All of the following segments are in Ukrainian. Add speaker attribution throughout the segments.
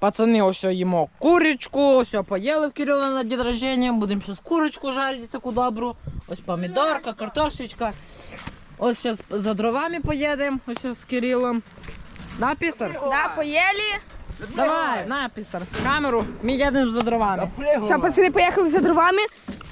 Speaker 1: Пацани, ось їмо курочку, ось поїли в Кирила на день рождения. Будемо зараз курочку жарити таку добру. Ось помідорка, картошечка. Ось зараз за дровами поїдемо, ось з Кирилом. Да, писар?
Speaker 2: Да, поїли.
Speaker 1: Давай, на, писар, камеру, ми їдемо за дровами.
Speaker 2: Все, пацани, поїхали за дровами.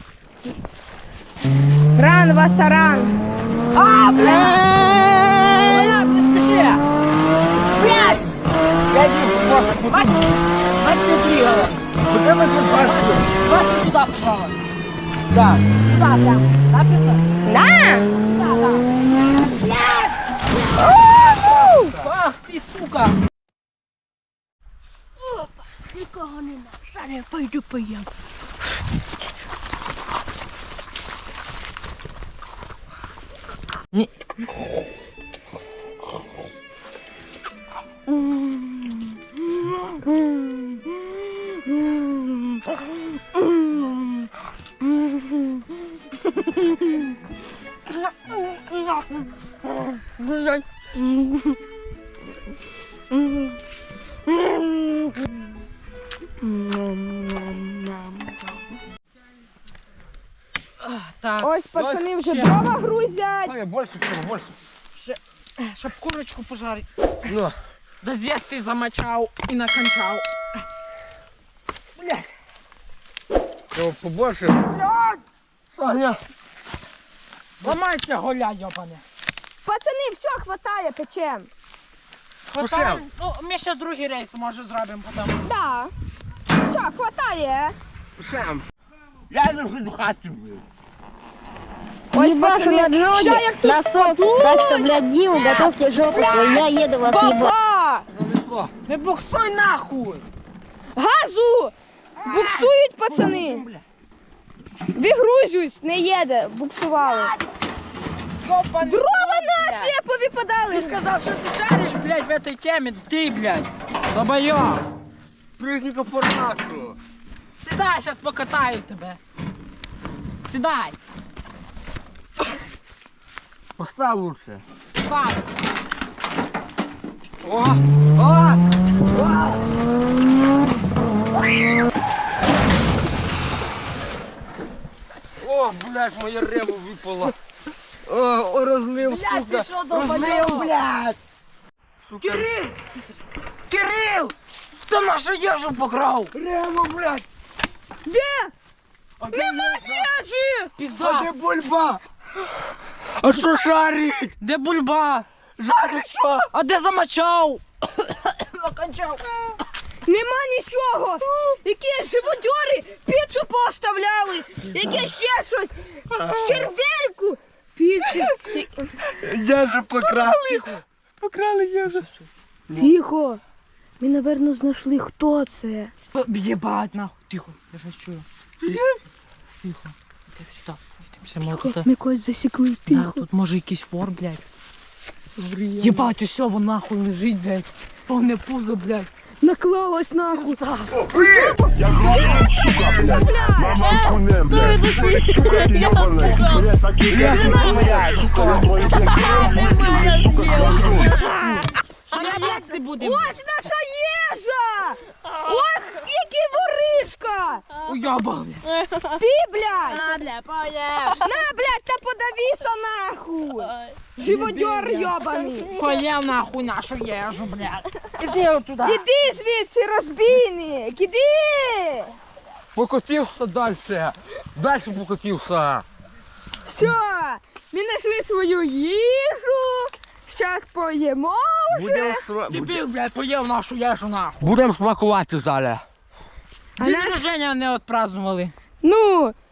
Speaker 2: Ран, Васаран.
Speaker 1: А, блядь!
Speaker 2: Блядь!
Speaker 3: Я не
Speaker 1: Мать не тригала.
Speaker 3: Куда мы тут пошли?
Speaker 1: Давай сюда, пожалуйста.
Speaker 3: Да.
Speaker 1: Сюда прям. Да, писар?
Speaker 2: Да?
Speaker 1: Блядь! Ах ты, сука!
Speaker 2: Нікого нема. Зараз я пойду поїм.
Speaker 1: Ні. Так,
Speaker 2: Ось пацани вже
Speaker 1: ще.
Speaker 2: дрова грузять.
Speaker 3: Ой, больше всего, больше.
Speaker 1: Щоб курочку пожарити.
Speaker 3: Ну.
Speaker 1: Да з'їсти замочав і накончав.
Speaker 3: Его побольше. Блядь! Саня!
Speaker 1: Ламайся, голя, йобане.
Speaker 2: Пацани, все, хватає, печем.
Speaker 1: Хватає? Ну, ми ще другий рейс, може, зробимо потім.
Speaker 2: Да. Все, хватає.
Speaker 3: Сам. Я не до хаты, блядь.
Speaker 2: Ось
Speaker 4: Ебашу на
Speaker 2: ща
Speaker 4: джоге,
Speaker 2: як тут
Speaker 4: носок, так что, блядь, Диму, готовьте жопу свою, я еду вас ебать.
Speaker 2: Баба!
Speaker 3: Занесло.
Speaker 1: Не буксуй нахуй!
Speaker 2: Газу! Буксують пацани. Вигрузюсь, не їде, буксували.
Speaker 1: Йобаний.
Speaker 2: Дрова наші повипадали.
Speaker 1: Ты сказал, что ты шаришь, блядь, в этой теме. Ты, блядь, долбоёб.
Speaker 3: Прыгни к аппарату.
Speaker 1: Сідай, сейчас покатаю тебе. Сідай.
Speaker 3: Поставь лучше.
Speaker 1: Фак.
Speaker 3: О! О! О, блядь, моя рема выпала. О, разлил,
Speaker 1: Блядь,
Speaker 3: сука.
Speaker 1: ты что,
Speaker 3: Разлил,
Speaker 1: долбоёб?
Speaker 3: блядь. Сука.
Speaker 1: Кирилл! Кирилл! Ты нашу ежу покрал!
Speaker 3: Рема, блядь.
Speaker 2: Де?
Speaker 3: А
Speaker 2: Нема їжі!
Speaker 3: А
Speaker 1: Пизда!
Speaker 3: где бульба? А что шарить?
Speaker 1: Де бульба?
Speaker 3: Жарить что?
Speaker 1: А де замочав? Накончав.
Speaker 2: Нема нічого! Які живодьори піцу поставляли! Яке ще щось! Сердельку! Піцу!
Speaker 3: Я же покрали. Покрали я же.
Speaker 2: Тихо! Ми, напевно, знайшли, хто це.
Speaker 1: Єбать, нахуй. Тихо, я щось чую. Тихо. Іди сюди. Йдемо сюди.
Speaker 2: Ми когось засікли,
Speaker 1: Да,
Speaker 2: тихо.
Speaker 1: тут може якийсь вор, блядь. Єбать, усе, вон нахуй лежить, блядь. Повне пузо, блядь.
Speaker 2: Наклалось нахуй.
Speaker 1: Що ми їсти будемо?
Speaker 2: Ось наша їжа! Ох, який воришка!
Speaker 1: Уйобаний.
Speaker 2: Ти, блядь!
Speaker 4: На, бля, поешь.
Speaker 2: На, блядь, та подавися нахуй! Живодьор йобаний!
Speaker 1: Поїв нахуй нашу їжу, блядь. Іди отуда.
Speaker 2: Іди звідси, розбійник! Іди!
Speaker 3: Покатился дальше. Дальше покатился.
Speaker 2: Все, ми знайшли свою їжу. Зараз поїмо вже.
Speaker 1: Дебіл, блядь, поїв нашу їжу, нахуй.
Speaker 3: Будем смакувати далі.
Speaker 2: А
Speaker 1: День
Speaker 2: наш-
Speaker 1: рождения не отпразднували.
Speaker 2: Ну,